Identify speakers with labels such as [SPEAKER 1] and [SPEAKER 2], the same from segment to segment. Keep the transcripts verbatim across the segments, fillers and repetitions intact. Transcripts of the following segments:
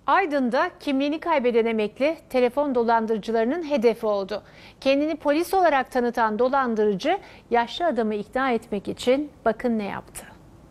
[SPEAKER 1] Aydın'da kimliğini kaybeden emekli telefon dolandırıcılarının hedefi oldu. Kendini polis olarak tanıtan dolandırıcı yaşlı adamı ikna etmek için bakın ne yaptı.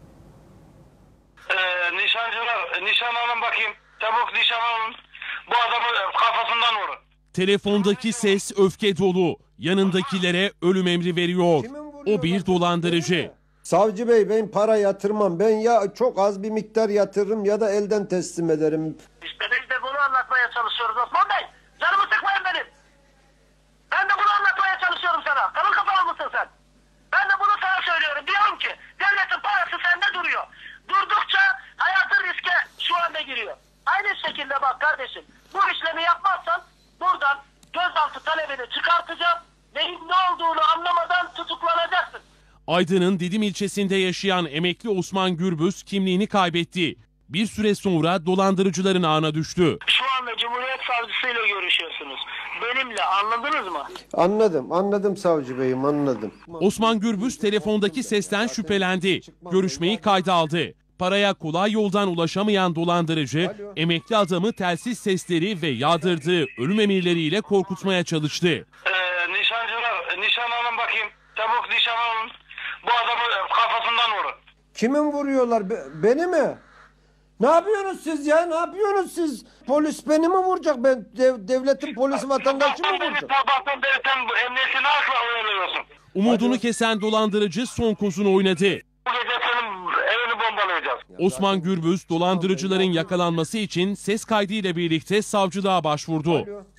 [SPEAKER 2] Ee, nişancılar, nişan alın bakayım. Çabuk nişan alın. Bu adamı kafasından vurun.
[SPEAKER 3] Telefondaki ses öfke dolu. Yanındakilere ölüm emri veriyor. O bir dolandırıcı.
[SPEAKER 4] Savcı bey, ben para yatırmam. Ben ya çok az bir miktar yatırırım ya da elden teslim ederim.
[SPEAKER 2] İşte biz de bunu anlatmaya çalışıyoruz Osman Bey. Canımı sıkmayın benim. Ben de bunu anlatmaya çalışıyorum sana. Kalın kafalı mısın sen? Ben de bunu sana söylüyorum. Diyorum ki devletin parası sende duruyor. Durdukça hayatın riske şu anda giriyor. Aynı şekilde bak kardeşim. Bu işlemi yapmazsan buradan gözaltı talebini çıkartacağım. Neyin ne olduğunu anlamadan tutuklanacaksın.
[SPEAKER 3] Aydın'ın Didim ilçesinde yaşayan emekli Osman Gürbüz kimliğini kaybetti. Bir süre sonra dolandırıcıların ağına düştü.
[SPEAKER 2] Şu anda Cumhuriyet Savcısıyla görüşüyorsunuz. Benimle, anladınız mı?
[SPEAKER 4] Anladım, anladım savcı beyim, anladım.
[SPEAKER 3] Osman Gürbüz telefondaki sesten şüphelendi. Görüşmeyi kayda aldı. Paraya kolay yoldan ulaşamayan dolandırıcı, emekli adamı telsiz sesleri ve yağdırdığı ölüm emirleriyle korkutmaya çalıştı.
[SPEAKER 2] Ee, nişancılar, nişan alın bakayım. Çabuk nişan alın. Bu adamı kafasından vurun.
[SPEAKER 4] Kimin vuruyorlar? Be- beni mi? Ne yapıyorsunuz siz ya? Ne yapıyorsunuz siz? Polis beni mi vuracak? Ben dev- devletin polisi vatandaşı mı vuracak?
[SPEAKER 2] Sabahtan beri sen emniyetini akla oyalıyorsun.
[SPEAKER 3] Umudunu kesen dolandırıcı son kozunu oynadı.
[SPEAKER 2] Bu gece senin evini bombalayacağız.
[SPEAKER 3] Osman Gürbüz dolandırıcıların yakalanması için ses kaydıyla birlikte savcılığa başvurdu.